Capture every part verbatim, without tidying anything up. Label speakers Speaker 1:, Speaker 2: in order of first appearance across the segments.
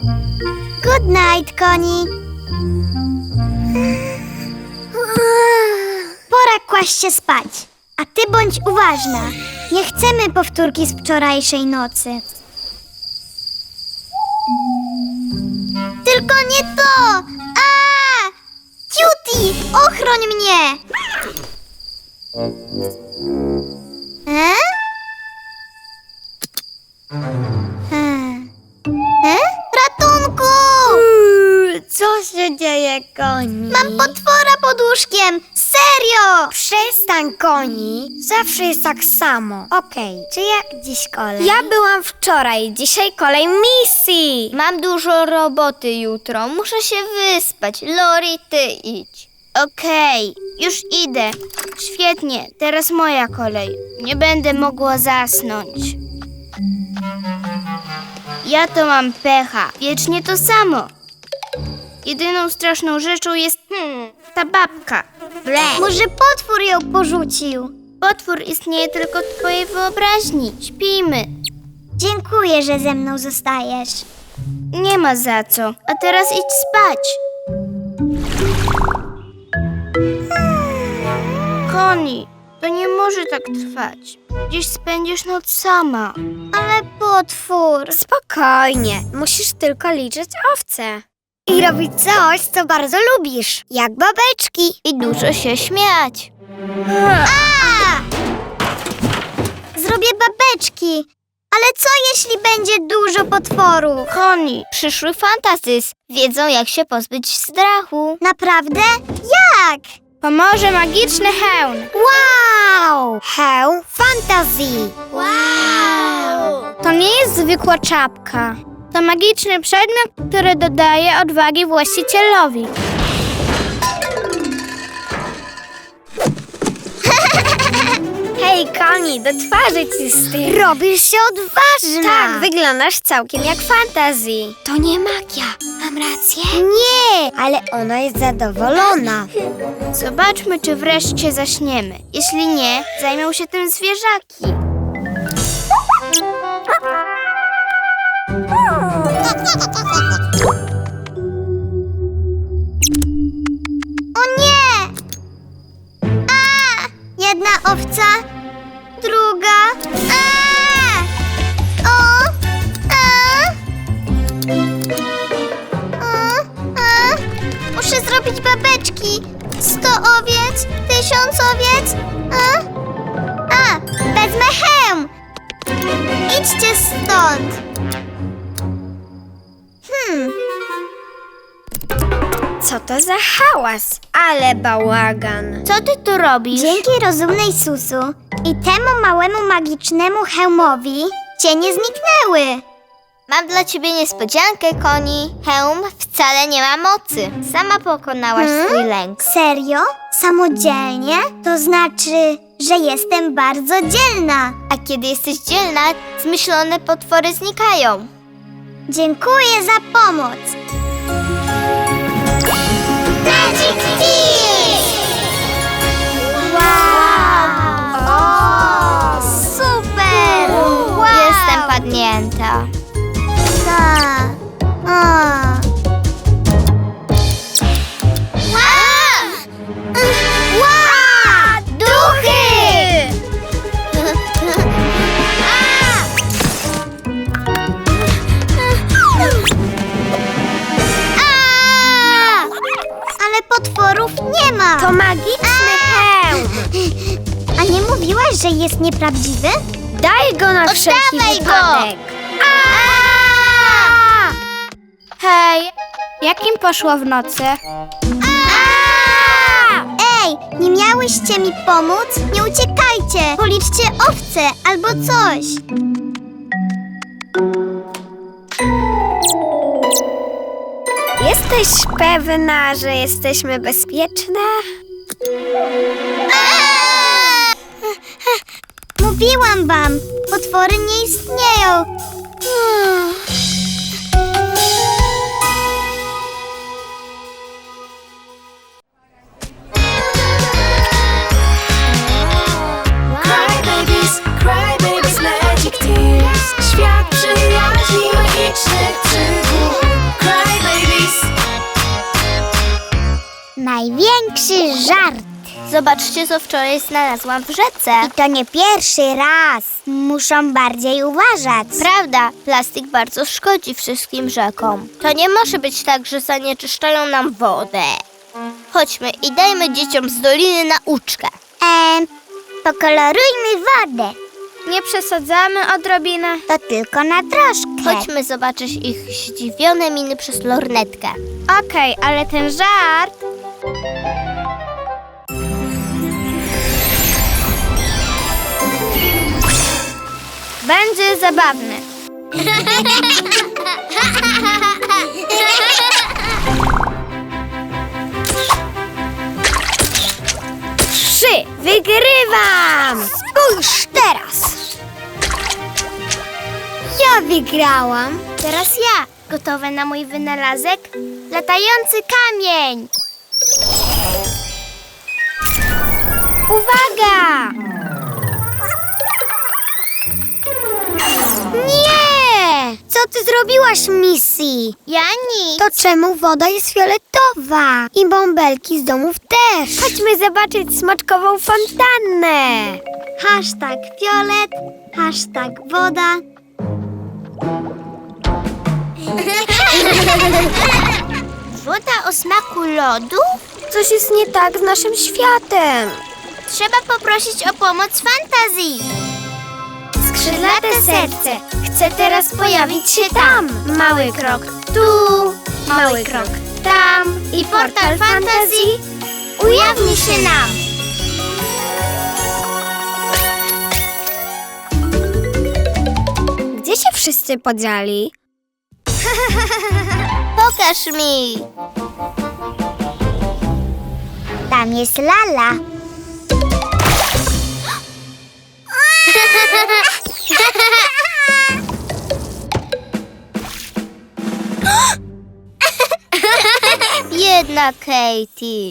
Speaker 1: Good night, Koni. Pora kłaść się spać. A ty bądź uważna. Nie chcemy powtórki z wczorajszej nocy. Tylko nie to! A! Cutie, ochroń mnie! E? E? E? Ratunku!
Speaker 2: Co się dzieje, Koni?
Speaker 1: Mam potwora pod łóżkiem! Serio!
Speaker 2: Przestań, Koni. Zawsze jest tak samo. Okej, czy jak dziś kolej? Ja byłam wczoraj, dzisiaj kolej misji.
Speaker 3: Mam dużo roboty jutro, muszę się wyspać. Lori, ty idź. Okej, już idę. Świetnie, teraz moja kolej. Nie będę mogła zasnąć. Ja to mam pecha, wiecznie to samo. Jedyną straszną rzeczą jest hmm, ta babka. Ble.
Speaker 1: Może potwór ją porzucił?
Speaker 3: Potwór istnieje tylko w twojej wyobraźni. Śpijmy.
Speaker 1: Dziękuję, że ze mną zostajesz.
Speaker 3: Nie ma za co. A teraz idź spać. Koni, to nie może tak trwać. Dziś spędzisz noc sama.
Speaker 1: Ale potwór...
Speaker 2: Spokojnie, musisz tylko liczyć owce. I robić coś, co bardzo lubisz, jak babeczki.
Speaker 3: I dużo się śmiać.
Speaker 1: A! Zrobię babeczki. Ale co jeśli będzie dużo potworów?
Speaker 3: Koni, przyszły fantazys wiedzą, jak się pozbyć strachu.
Speaker 1: Naprawdę? Jak?
Speaker 3: Pomoże magiczny hełm.
Speaker 2: Wow! Hełm fantazji.
Speaker 1: Wow!
Speaker 3: To nie jest zwykła czapka. To magiczny przedmiot, który dodaje odwagi właścicielowi.
Speaker 2: Hej, Koni, do twarzy ci z tym. Robisz się odważna. Tak, wyglądasz całkiem jak fantazji. To nie magia, mam rację? Nie, ale ona jest zadowolona.
Speaker 3: Zobaczmy, czy wreszcie zaśniemy. Jeśli nie, zajmą się tym zwierzaki.
Speaker 1: O nie! A! Jedna owca, druga. A! O! A! A! A! Muszę zrobić babeczki. Sto owiec, tysiąc owiec. A! A! Wezmę hełm. Idźcie stąd. Hmm.
Speaker 2: Co to za hałas? Ale bałagan.
Speaker 3: Co ty tu robisz?
Speaker 1: Dzięki rozumnej Susu i temu małemu magicznemu hełmowi cienie zniknęły.
Speaker 3: Mam dla ciebie niespodziankę, Koni. Hełm wcale nie ma mocy. Sama pokonałaś
Speaker 1: Hmm?
Speaker 3: swój lęk.
Speaker 1: Serio? Samodzielnie? To znaczy, że jestem bardzo dzielna.
Speaker 3: A kiedy jesteś dzielna, zmyślone potwory znikają.
Speaker 1: Dziękuję za pomoc. Magic Kiss! Wow! O, super! Wow!
Speaker 3: Jestem padnięta.
Speaker 1: Tak. O. Wow! Duchy! A! Ale potworów nie ma.
Speaker 2: To magiczny hełm.
Speaker 1: A nie mówiłaś, że jest nieprawdziwy?
Speaker 2: Daj go na wszelki
Speaker 3: Oddawaj go.
Speaker 2: wypadek.
Speaker 3: Hej, jak im poszło w nocy?
Speaker 1: Ej, nie miałyście mi pomóc? Nie uciekajcie! Policzcie owce albo coś.
Speaker 2: Jesteś pewna, że jesteśmy bezpieczne?
Speaker 1: Mówiłam wam, potwory nie istnieją.
Speaker 4: Crybabies, crybabies, magic tears. Świat przyjaźni, magicznych przygód.
Speaker 1: żart.
Speaker 3: Zobaczcie, co wczoraj znalazłam w rzece.
Speaker 1: I to nie pierwszy raz. Muszą bardziej uważać.
Speaker 3: Prawda, plastik bardzo szkodzi wszystkim rzekom. To nie może być tak, że zanieczyszczają nam wodę. Chodźmy i dajmy dzieciom z doliny nauczkę.
Speaker 1: Eee, pokolorujmy wodę.
Speaker 2: Nie przesadzamy odrobinę.
Speaker 1: To tylko na troszkę.
Speaker 3: Chodźmy zobaczyć ich zdziwione miny przez lornetkę.
Speaker 2: Okej, ale ten żart... będzie zabawny. Trzy! Wygrywam! Spójrz teraz!
Speaker 1: Ja wygrałam.
Speaker 3: Teraz ja. Gotowe na mój wynalazek? Latający kamień!
Speaker 2: Uwaga!
Speaker 1: Nie! Co ty zrobiłaś, Missy?
Speaker 3: Ja nic.
Speaker 1: To czemu woda jest fioletowa? I bąbelki z domów też.
Speaker 2: Chodźmy zobaczyć smoczkową fontannę.
Speaker 1: Hashtag fiolet, hashtag woda.
Speaker 3: Woda o smaku lodu?
Speaker 2: Coś jest nie tak z naszym światem.
Speaker 3: Trzeba poprosić o pomoc fantazji.
Speaker 2: Skrzydlate serce chce teraz pojawić się tam. Mały krok tu, mały krok tam i portal fantazji
Speaker 3: Ujawni się nam.
Speaker 2: Gdzie się wszyscy podzieli?
Speaker 3: Pokaż mi.
Speaker 1: Tam jest Lala.
Speaker 3: Biedna Katie.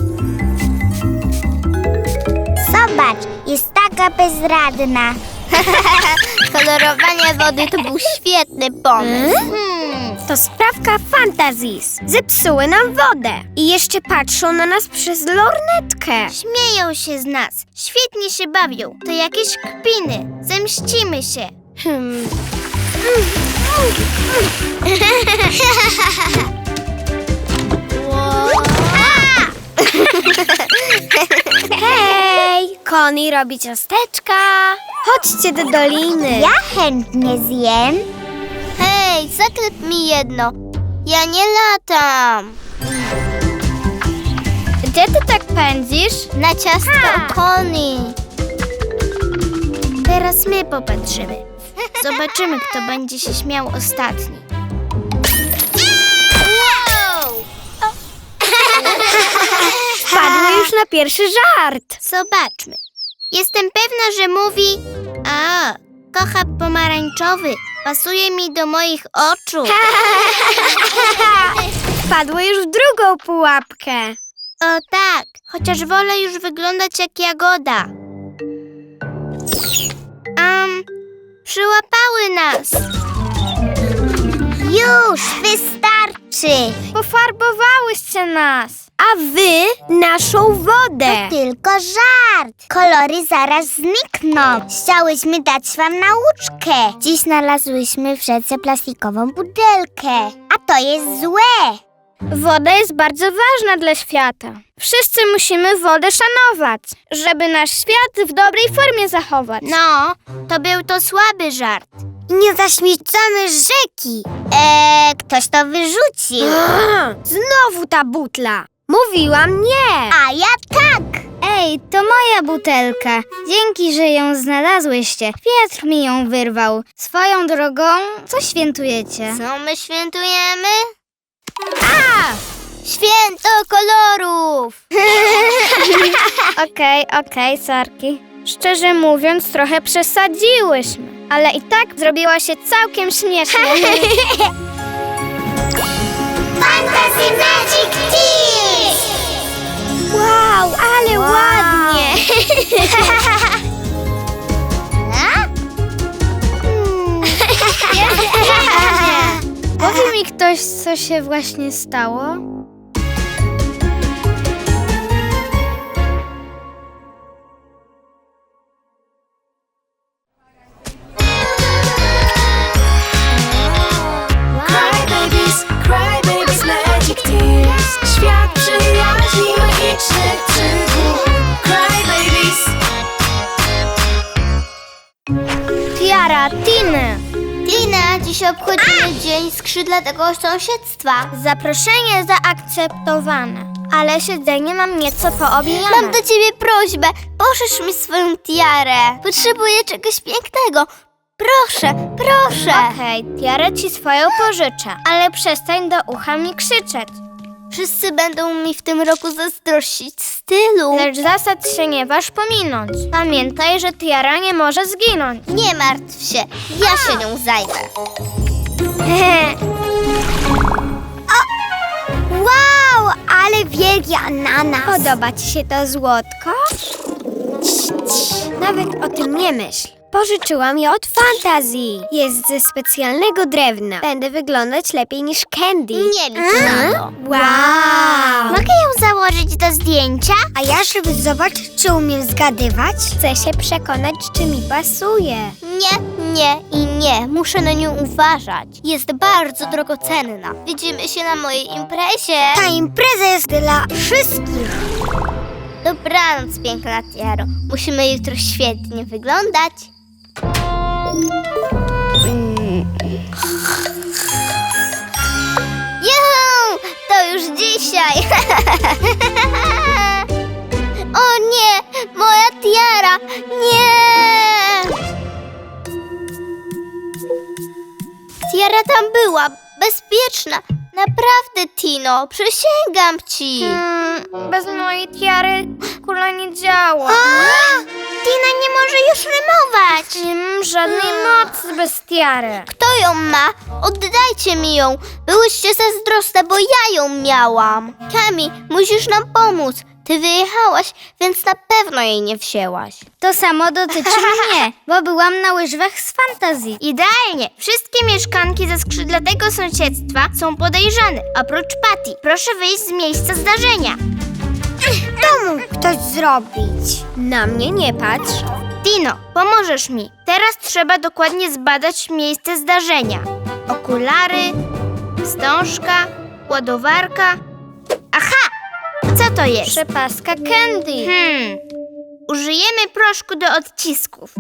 Speaker 1: Zobacz, jest taka bezradna.
Speaker 3: Kolorowanie wody to był świetny pomysł. Hmm.
Speaker 2: To sprawka Fantazis. Zepsuły nam wodę. I jeszcze patrzą na nas przez lornetkę.
Speaker 3: Śmieją się z nas. Świetnie się bawią. To jakieś kpiny. Zemścimy się.
Speaker 2: Hmm. Hej! Connie robi ciasteczka. Chodźcie do doliny.
Speaker 1: Ja chętnie zjem.
Speaker 3: Hej, zaklep mi jedno. Ja nie latam.
Speaker 2: Gdzie ty tak pędzisz?
Speaker 3: Na ciastko Connie. Teraz my popatrzymy. Zobaczymy, kto będzie się śmiał ostatni. Wow!
Speaker 2: Wpadły już na pierwszy żart.
Speaker 3: Zobaczmy. Jestem pewna, że mówi... A, kocha pomarańczowy. Pasuje mi do moich oczu.
Speaker 2: Wpadły już w drugą pułapkę.
Speaker 3: O tak, chociaż wolę już wyglądać jak jagoda. Um, przyłapały nas.
Speaker 1: Już, wystarczy.
Speaker 2: Pofarbowałyście nas. A wy naszą wodę.
Speaker 1: Tylko żart. Kolory zaraz znikną. Chciałyśmy dać wam nauczkę. Dziś znalazłyśmy w rzece plastikową butelkę. A to jest złe.
Speaker 2: Woda jest bardzo ważna dla świata. Wszyscy musimy wodę szanować, żeby nasz świat w dobrej formie zachować.
Speaker 3: No, to był to słaby żart.
Speaker 1: I nie zaśmiecamy rzeki. Eee, ktoś to wyrzucił.
Speaker 2: Znowu ta butla. Mówiłam nie.
Speaker 1: A ja tak.
Speaker 2: Ej, to moja butelka. Dzięki, że ją znalazłyście. Piotr mi ją wyrwał. Swoją drogą, co świętujecie?
Speaker 3: Co my świętujemy? A! Święto kolorów!
Speaker 2: Okej, okej, sorki. Szczerze mówiąc, trochę przesadziłyśmy. Ale i tak zrobiła się całkiem śmiesznie.
Speaker 1: Fantasy Magic Tears!
Speaker 2: Wow, ale
Speaker 1: Wow.
Speaker 2: ładnie. Powie mi ktoś, co się właśnie stało?
Speaker 3: Dzisiaj obchodzimy Dzień Skrzydlatego Sąsiedztwa.
Speaker 2: Zaproszenie zaakceptowane, ale siedzenie mam nieco poobijane.
Speaker 3: Mam do ciebie prośbę. Pożycz mi swoją tiarę. Potrzebuję czegoś pięknego. Proszę, proszę.
Speaker 2: Okej, tiarę ci swoją pożyczę, ale przestań do ucha mi krzyczeć.
Speaker 3: Wszyscy będą mi w tym roku zazdrościć stylu.
Speaker 2: Lecz zasad się nie waż pominąć. Pamiętaj, że tiara nie może zginąć.
Speaker 3: Nie martw się, ja się nią zajmę.
Speaker 1: Wow, ale wielki ananas.
Speaker 2: Podoba ci się to złotko? Nawet o tym nie myśl. Pożyczyłam je od fantazji. Jest ze specjalnego drewna. Będę wyglądać lepiej niż Candy.
Speaker 3: Nie licz na to.
Speaker 2: Wow!
Speaker 1: Mogę ją założyć do zdjęcia? A ja, żeby zobaczyć, czy umiem zgadywać?
Speaker 2: Chcę się przekonać, czy mi pasuje.
Speaker 3: Nie, nie i nie. Muszę na nią uważać. Jest bardzo drogocenna. Widzimy się na mojej imprezie.
Speaker 1: Ta impreza jest dla wszystkich.
Speaker 3: Dobranoc, piękna tiaro. Musimy jutro świetnie wyglądać. Juhu! To już dzisiaj. O nie, moja tiara. Nie! Tiara tam była, bezpieczna. Naprawdę, Tino, przysięgam ci.
Speaker 2: Hmm, bez mojej tiary kula nie działa.
Speaker 1: Tina nie może już rymować.
Speaker 2: Nie mam żadnej mocy bez tiary.
Speaker 3: Kto ją ma? Oddajcie mi ją. Byłyście zazdrosne, bo ja ją miałam. Kami, musisz nam pomóc. Ty wyjechałaś, więc na pewno jej nie wzięłaś.
Speaker 2: To samo dotyczy mnie, bo byłam na łyżwach z fantazji.
Speaker 1: Idealnie. Wszystkie mieszkanki ze skrzydlatego sąsiedztwa są podejrzane, oprócz Patty. Proszę wyjść z miejsca zdarzenia. To mógł ktoś zrobić.
Speaker 2: Na mnie nie patrz.
Speaker 1: Tino, pomożesz mi. Teraz trzeba dokładnie zbadać miejsce zdarzenia. Okulary, wstążka, ładowarka. Aha! Co to jest?
Speaker 2: Przepaska Candy.
Speaker 1: Hmm. Użyjemy proszku do odcisków.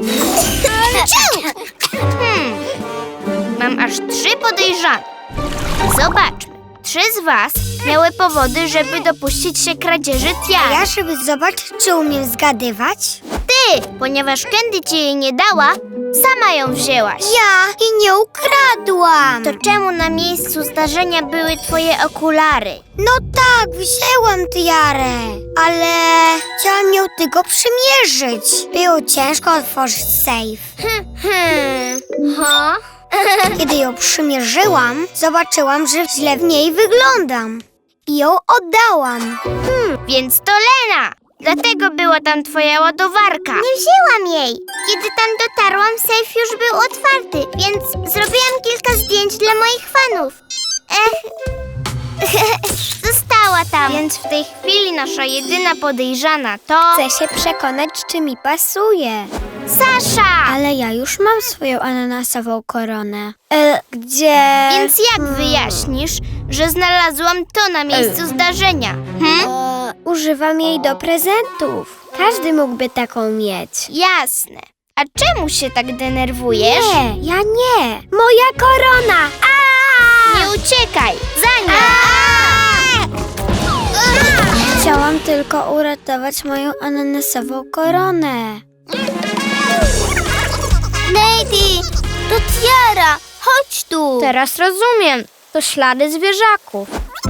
Speaker 1: Hmm. Mam aż trzy podejrzane. Zobaczmy. Trzy z was miały powody, żeby dopuścić się kradzieży tiary.
Speaker 2: Ja, żeby zobaczyć, czy umiem zgadywać?
Speaker 1: Ty, ponieważ Candy ci jej nie dała, sama ją wzięłaś.
Speaker 2: Ja i nie ukradłam.
Speaker 1: To czemu na miejscu zdarzenia były twoje okulary?
Speaker 2: No tak, wzięłam tiarę, ale chciałam ją tylko przymierzyć. Było ciężko otworzyć safe.
Speaker 1: Hmm.
Speaker 2: Ha? Kiedy ją przymierzyłam, zobaczyłam, że źle w niej wyglądam. I ją oddałam.
Speaker 1: Hmm, więc to Lena! Dlatego była tam twoja ładowarka. Nie wzięłam jej. Kiedy tam dotarłam, sejf już był otwarty, więc zrobiłam kilka zdjęć dla moich fanów. Ech, została tam. Więc w tej chwili nasza jedyna podejrzana to...
Speaker 2: Chcę się przekonać, czy mi pasuje.
Speaker 1: Sasza!
Speaker 2: Ale ja już mam swoją ananasową koronę. E, gdzie?
Speaker 1: Więc jak wyjaśnisz, że znalazłam to na miejscu zdarzenia? Hm?
Speaker 2: E, używam jej do prezentów. Każdy mógłby taką mieć.
Speaker 1: Jasne. A czemu się tak denerwujesz?
Speaker 2: Nie, ja nie. Moja korona! A!
Speaker 1: Nie uciekaj! Za nią!
Speaker 2: Chciałam tylko uratować moją ananasową koronę.
Speaker 3: Lady, to tiara. Chodź tu.
Speaker 2: Teraz rozumiem. To ślady zwierzaków.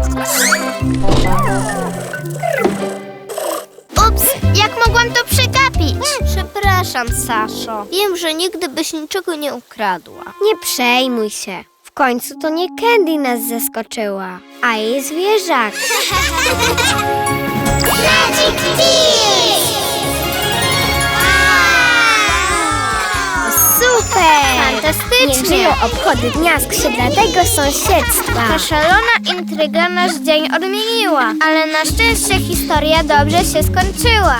Speaker 1: Ups, jak mogłam to przegapić?
Speaker 3: Przepraszam, Saszo. Wiem, że nigdy byś niczego nie ukradła.
Speaker 2: Nie przejmuj się. W końcu to nie Candy nas zaskoczyła, a jej zwierzak.
Speaker 1: Magic Fish!
Speaker 2: Super!
Speaker 1: Fantastycznie!
Speaker 2: Niech żyją obchody Dnia Skrzydlatego Sąsiedztwa.
Speaker 1: Ta szalona intryga nasz dzień odmieniła, ale na szczęście historia dobrze się skończyła.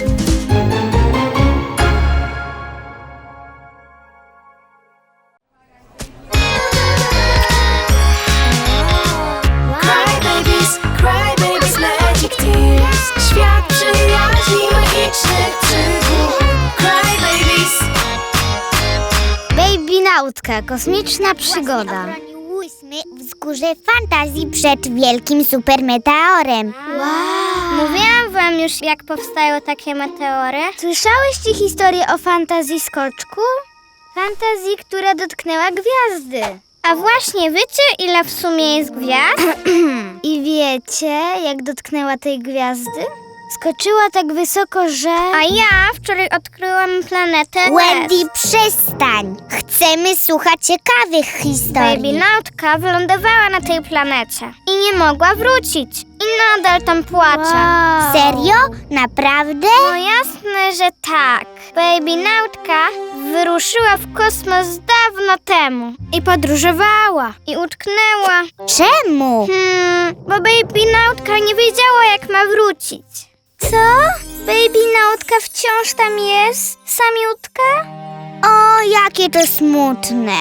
Speaker 4: Cry babies, cry babies, magic tears. Świat przyjaźni, magicznych przygód. Cry babies.
Speaker 1: Baby Nautka,
Speaker 2: kosmiczna przygoda.
Speaker 1: Obroniłyśmy wzgórze fantazji przed wielkim supermeteorem.
Speaker 2: Wow.
Speaker 3: Mówiłam wam już, jak powstają takie meteory.
Speaker 2: Słyszałyście historię o fantazji skoczku? Fantazji, która dotknęła gwiazdy.
Speaker 3: A właśnie, wiecie, ile w sumie jest gwiazd?
Speaker 2: I wiecie, jak dotknęła tej gwiazdy? Skoczyła tak wysoko, że...
Speaker 3: A ja wczoraj odkryłam planetę
Speaker 1: Wendy, przestań! Chcemy słuchać ciekawych historii.
Speaker 3: Baby Nautka wylądowała na tej planecie i nie mogła wrócić. I nadal tam płacze.
Speaker 2: Wow.
Speaker 1: Serio? Naprawdę?
Speaker 3: No jasne, że tak. Baby Nautka wyruszyła w kosmos dawno temu. I podróżowała. I utknęła.
Speaker 1: Czemu?
Speaker 3: Hmm, bo Baby Nautka nie wiedziała, jak ma wrócić.
Speaker 2: Co? Baby Nautka wciąż tam jest? Samiutka?
Speaker 1: O, jakie to smutne.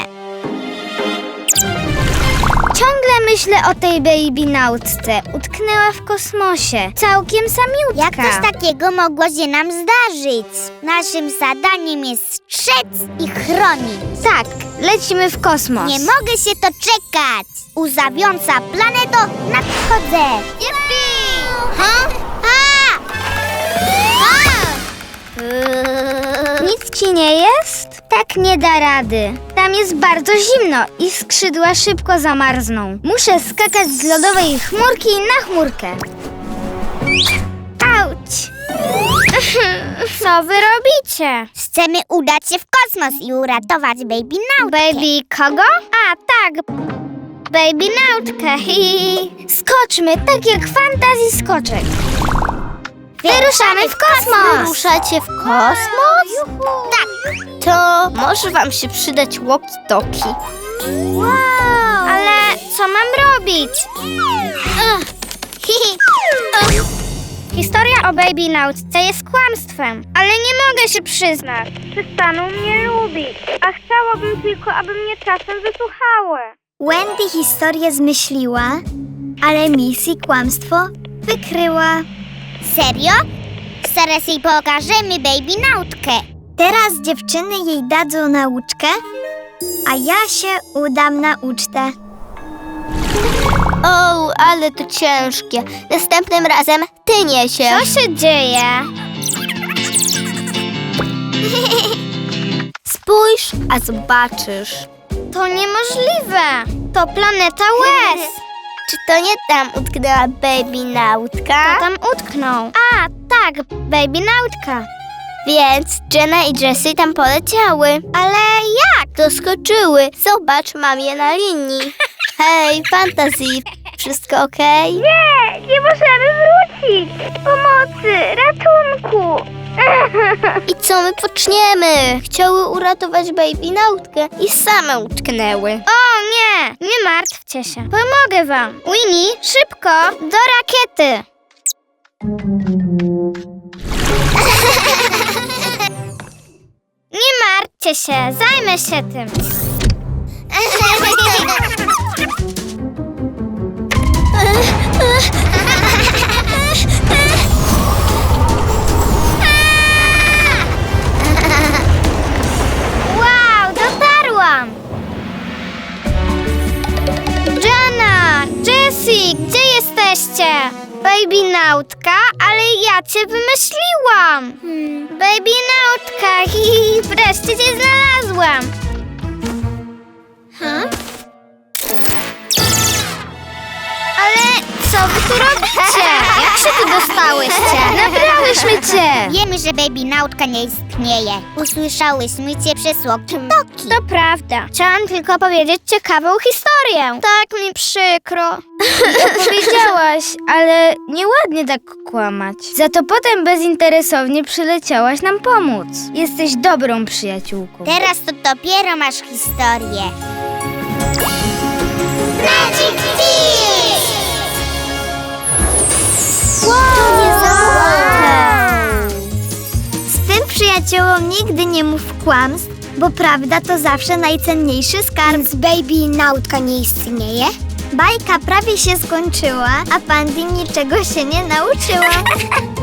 Speaker 2: Ciągle myślę o tej Baby Nautce. Utknęła w kosmosie. Całkiem samiutka.
Speaker 1: Jak coś takiego mogło się nam zdarzyć? Naszym zadaniem jest strzec i chronić.
Speaker 2: Tak, lecimy w kosmos.
Speaker 1: Nie mogę się doczekać. Uzawiąca planeto, nadchodzę. Yippee! Ha? Ha! Ha!
Speaker 2: Nic ci nie jest? Tak nie da rady. Tam jest bardzo zimno i skrzydła szybko zamarzną. Muszę skakać z lodowej chmurki na chmurkę. Auć!
Speaker 3: Co wy robicie?
Speaker 1: Chcemy udać się w kosmos i uratować Baby Nautkę.
Speaker 3: Baby kogo? A, tak. Baby Nautka.
Speaker 2: Skoczmy, tak jak w fantazji skoczek. Wyruszamy w kosmos!
Speaker 3: Wyruszacie w kosmos?
Speaker 1: Tak.
Speaker 3: To może wam się przydać walkie-talkie.
Speaker 2: Wow!
Speaker 3: Ale co mam robić? Historia o Baby Nautce jest kłamstwem, ale nie mogę się przyznać. Przestaną mnie lubić, a chciałabym tylko, aby mnie czasem wysłuchały.
Speaker 2: Wendy historię zmyśliła, ale Missy kłamstwo wykryła.
Speaker 1: Serio? Zaraz jej pokażemy Baby Nautkę.
Speaker 2: Teraz dziewczyny jej dadzą nauczkę, a ja się udam na ucztę.
Speaker 3: O, ale to ciężkie. Następnym razem ty niesiesz. Co się dzieje? Spójrz, a zobaczysz. To niemożliwe. To planeta łez. Czy to nie tam utknęła Baby Nautka? To tam utknął. A, tak, Baby Nautka. Więc Jenna i Jessie tam poleciały. Ale jak? Doskoczyły. Zobacz, mam je na linii. Hej, Fantasy, wszystko okej? Nie, nie możemy wrócić. Pomocy, ratunku. I co my poczniemy? Chciały uratować Baby Nautkę i same utknęły. O nie, nie martwcie się. Pomogę wam. Winnie, szybko, do rakiety. Nie martwcie się, zajmę się tym. Wow, dotarłam! Jenna, Jessie, gdzie jesteście? Baby Nautka, ale ja cię wymyśliłam. Hmm. Baby Nautka, hi, wreszcie cię znalazłam. Huh? Ale co wy tu robicie? Jak się tu dostałyście?
Speaker 2: Nabrałyśmy cię!
Speaker 1: Wiemy, że Baby Nautka nie istnieje. Usłyszałyśmy cię przez walkie-talkie.
Speaker 3: To prawda. Chciałam tylko powiedzieć ciekawą historię. Tak mi przykro.
Speaker 2: Powiedziałaś, ale nieładnie tak kłamać. Za to potem bezinteresownie przyleciałaś nam pomóc. Jesteś dobrą przyjaciółką.
Speaker 1: Teraz to dopiero masz historię. Magic Kiss!
Speaker 2: Z tym przyjaciołom nigdy nie mów kłamstw, bo prawda to zawsze najcenniejszy skarb. Więc Baby Nautka nie istnieje? Bajka prawie się skończyła, a Pandy niczego się nie nauczyła.